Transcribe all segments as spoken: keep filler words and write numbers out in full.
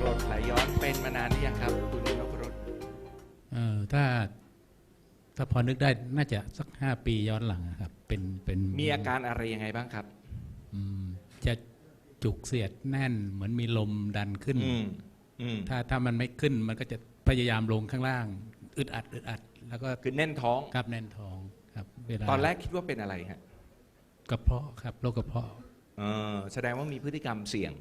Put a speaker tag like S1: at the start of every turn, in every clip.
S1: รดไหลย้อนเป็นมานานหรือยังครับคุณนพรุษ
S2: เอ่อถ้าถ้าพอนึกได้น่าจะสักห้าปีย้อนหลังครับเป็นเป็น
S1: มีอาการอะไรยังไงบ้างครับ
S2: จะจุกเสียดแน่นเหมือนมีลมดันขึ้นถ้าถ้ามันไม่ขึ้นมันก็จะพยายามลงข้างล่างอึดอัดอึดอัดแล้วก็
S1: คือแน่นท้อง
S2: ครับแน่นท้องครับเวลา
S1: ตอนแรกคิดว่าเป็นอะไรฮะ
S2: กระเพาะครับโรคกระเพาะ
S1: เออแสดงว่ามีพฤติกรรมเสี่ยง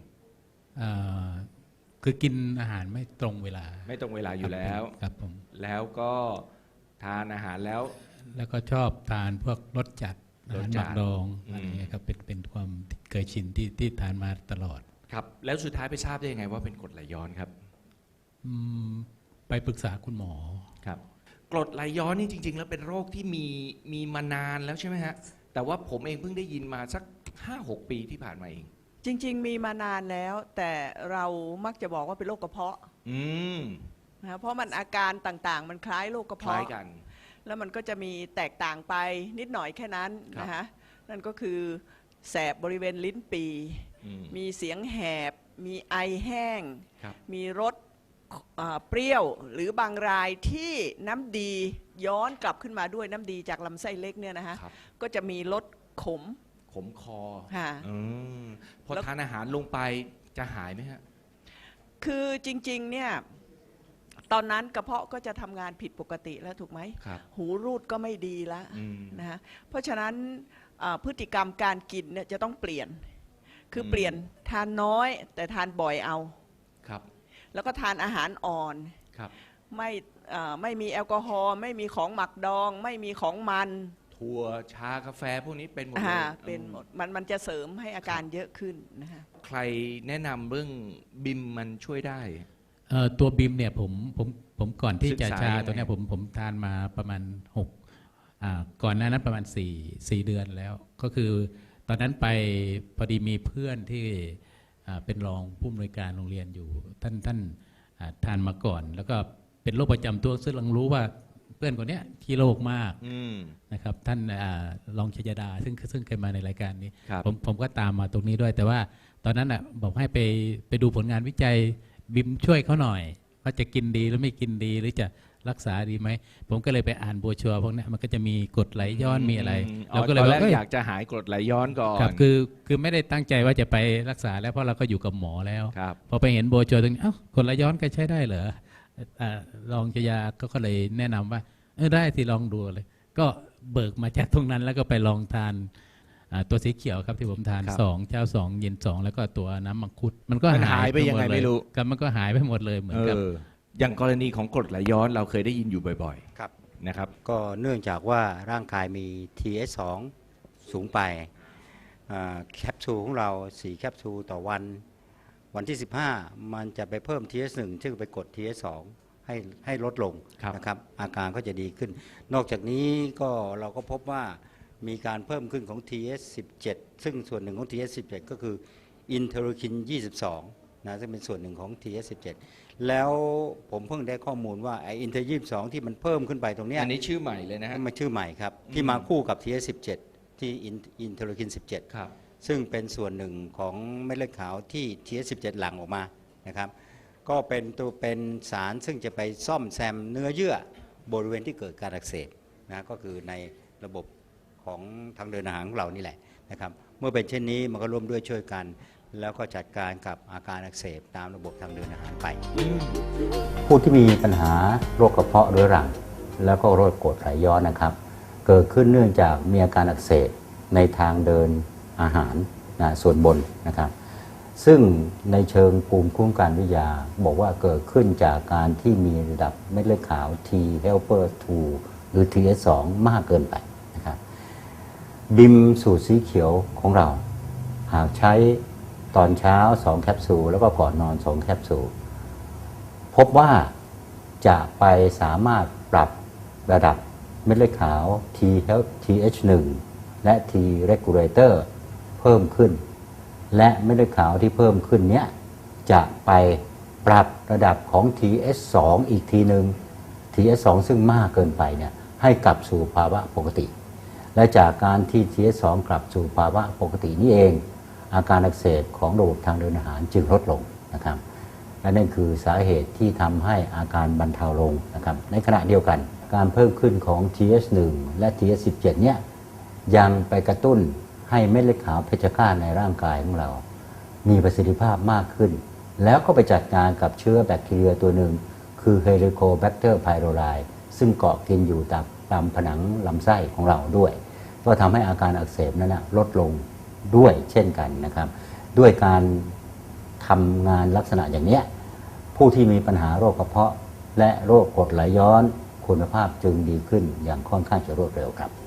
S2: คือกินอาหารไม่ตรงเวลา
S1: ไม่ตรงเวลาอยู่แล้ว
S2: ครับผม
S1: แล้วก็ทานอาหารแล้ว
S2: แล้วก็ชอบทานพวกรสจัดอาหารหมักดองอะไรเงี้ยครับเป็นเป็นความเคยชินที่ที่ทานมาตลอด
S1: ครับแล้วสุดท้ายไปทราบได้ยังไงว่าเป็นกรดไหลย้อนครับ
S2: ไปปรึกษาคุณหมอ
S1: ครับกรดไหลย้อนนี่จริงๆแล้วเป็นโรคที่มีมีมานานแล้วใช่ไหมฮะแต่ว่าผมเองเพิ่งได้ยินมาสัก ห้าหก ปีที่ผ่านมาเอง
S3: จริงๆมีมานานแล้วแต่เรามักจะบอกว่าเป็นโรคกระเพาะ
S1: อืม
S3: นะเพราะมันอาการต่างๆมันคล้ายโรคกระเพาะ
S1: คล้ายกัน
S3: แล้วมันก็จะมีแตกต่างไปนิดหน่อยแค่นั้นนะฮะนั่นก็คือแสบบริเวณลิ้นปีมีเสียงแหบมีไอแห้งมีรสเปรี้ยวหรือบางรายที่น้ำดีย้อนกลับขึ้นมาด้วยน้ำดีจากลำไส้เล็กเนี่ยนะฮะก็จะมีรสขม
S1: ขมคอ
S3: ค่ะ
S1: พอทานอาหารลงไปจะหายไหมฮะ
S3: คือจริงๆเนี่ยตอนนั้นกระเพาะก็จะทำงานผิดปกติแล้วถูกไหมหูรูดก็ไม่ดีแล้วนะฮะเพราะฉะนั้นพฤติกรรมการกินเนี่ยจะต้องเปลี่ยนคือเปลี่ยนทานน้อยแต่ทานบ่อยเอา
S1: ครับ
S3: แล้วก็ทานอาหารอ่อน
S1: ครับ
S3: ไม่ไม่มีแอลกอฮอล์ไม่มีของหมักดองไม่มีของมัน
S1: ถั่วชากาแฟพวกนี้เป็นหมด
S3: เลยเป็นหมดมันมันจะเสริมให้อาการเยอะขึ้นนะฮะ
S1: ใครแนะนำเรื่องบิมมันช่วยได้
S2: ตัวบิมเนี่ยผมผมผมก่อนที่จะชาตัวนี้ผมผมทานมาประมาณหกก่อนหน้านั้นประมาณสี่สี่เดือนแล้วก็คือตอนนั้นไปพอดีมีเพื่อนที่เป็นรองผู้อำนวยการโรงเรียนอยู่ท่านท่านทานมาก่อนแล้วก็เป็นโรคประจำตัวซึ่งเรารู้ว่าเพื่อนคนนี้ขี้โรคมากนะครับท่านรองชยดาซึ่งซึ่งเคยมาในรายการนี้ผมผมก็ตามมาตรงนี้ด้วยแต่ว่าตอนนั้นอ่ะบอกให้ไปไปดูผลงานวิจัยบิมช่วยเขาหน่อยว่าจะกินดีหรือไม่กินดีหรือจะรักษาดีไหมผมก็เลยไปอ่านโบรชัวร์พวกนี้มันก็จะมีกรดไหลย้อนมีอะไร
S1: เราก็เลยว่าอยากจะหายกรดไหลย้อนก่อน
S2: ครับคือคือไม่ได้ตั้งใจว่าจะไปรักษาแล้วเพราะเราก็อยู่กับหมอแล้วพอไปเห็นโบรชัวร์ตรงนี้เอ้ากรดไหลย้อนก็ใช้ได้เหรอรองชยาก็เลยแนะนำว่าเออได้สิลองดูเลยก็เบิกมาจากตรงนั้นแล้วก็ไปลองทานตัวสีเขียวครับที่ผมทานสองเช้าสองเย็นสองแล้วก็ตัวน้ำมังคุดมันก็
S1: หายไปยังไงไม่รู้
S2: ครับมันก็หายไปหมดเลยเหมือนกับ
S1: อย่างกรณีของกรดไหลย้อนเราเคยได้ยินอยู่บ่อยๆครับนะครับ
S4: ก็เนื่องจากว่าร่างกายมี ที เอส สอง สูงไปแคปซูลของเราสี่แคปซูลต่อวันวันที่สิบห้ามันจะไปเพิ่ม ที เอส หนึ่ง ซึ่งไปกด ที เอส สอง ให้ให้ลดลงนะครับอาการก็จะดีขึ้นนอกจากนี้ก็เราก็พบว่ามีการเพิ่มขึ้นของ ที เอส สิบเจ็ด ซึ่งส่วนหนึ่งของ ที เอส สิบเจ็ด ก็คืออินเทอร์คินยี่สิบสองนะซึ่งเป็นส่วนหนึ่งของ ที เอส สิบเจ็ด แล้วผมเพิ่งได้ข้อมูลว่าไออินเทอร์ยี่สิบสองที่มันเพิ่มขึ้นไปตรงนี้
S1: อันนี้ชื่อใหม่เลยนะฮะ
S4: มันชื่อใหม่ครับที่มาคู่กับ ที เอส สิบเจ็ด ที่อินเทอร์คินสิบเจ็ด
S1: ครับ
S4: ซึ่งเป็นส่วนหนึ่งของเม็ดเลือดขาวที่ ที เอส สิบเจ็ด หลั่งออกมานะครับก็เป็นตัวเป็นสารซึ่งจะไปซ่อมแซมเนื้อเยื่อบริเวณที่เกิดการอักเสบนะก็คือในระบบของทางเดินอาหารของเรานี่แหละนะครับเมื่อเป็นเช่นนี้มันก็ร่วมด้วยช่วยกันแล้วก็จัดการกับอาการอักเสบตามระบบทางเดินอาหารไปผู้ที่มีปัญหาโรคกระเพาะเรื้อรังแล้วก็โรคกรดไหลย้อนนะครับเกิดขึ้นเนื่องจากมีอาการอักเสบในทางเดินอาหารนะส่วนบนนะครับซึ่งในเชิงภูมิคุ้มกันวิทยาบอกว่าเกิดขึ้นจากการที่มีระดับเม็ดเลือดขาว T helper ทู หรือ ที เอส สอง มากเกินไปนะครับบิมสูตรสีเขียวของเราหากใช้ตอนเช้าสองแคปซูลแล้วก็ก่อนนอนสองแคปซูลพบว่าจะไปสามารถปรับระดับเม็ดเลือดขาว T เอช หนึ่ง และ T regulator เพิ่มขึ้นและเม็ดเลือดขาวที่เพิ่มขึ้นเนี้ยจะไปปรับระดับของ ที เอส สอง อีกทีหนึ่ง ที เอส สอง ซึ่งมากเกินไปเนี่ยให้กลับสู่ภาวะปกติและจากการที่ ที เอส สอง กลับสู่ภาวะปกตินี่เองอาการอักเสบของระบบทางเดินอาหารจึงลดลงนะครับและนั่นคือสาเหตุที่ทำให้อาการบรรเทาลงนะครับในขณะเดียวกันการเพิ่มขึ้นของ ที เอช หนึ่ง และ ที เอช สิบเจ็ด เนี่ยยังไปกระตุ้นให้เม็ดเลือดขาวเพชฌฆาตในร่างกายของเรามีประสิทธิภาพมากขึ้นแล้วก็ไปจัดการกับเชื้อแบคทีเรียตัวหนึ่งคือ Helicobacter pylori ซึ่งเกาะกินอยู่ตามตามผนังลำไส้ของเราด้วยก็ทำให้อาการอักเสบนั้นนะลดลงด้วยเช่นกันนะครับด้วยการทำงานลักษณะอย่างนี้ผู้ที่มีปัญหาโรคกระเพาะและโรคกรดไหลย้อนคุณภาพจึงดีขึ้นอย่างค่อนข้างจะรวดเร็วครับ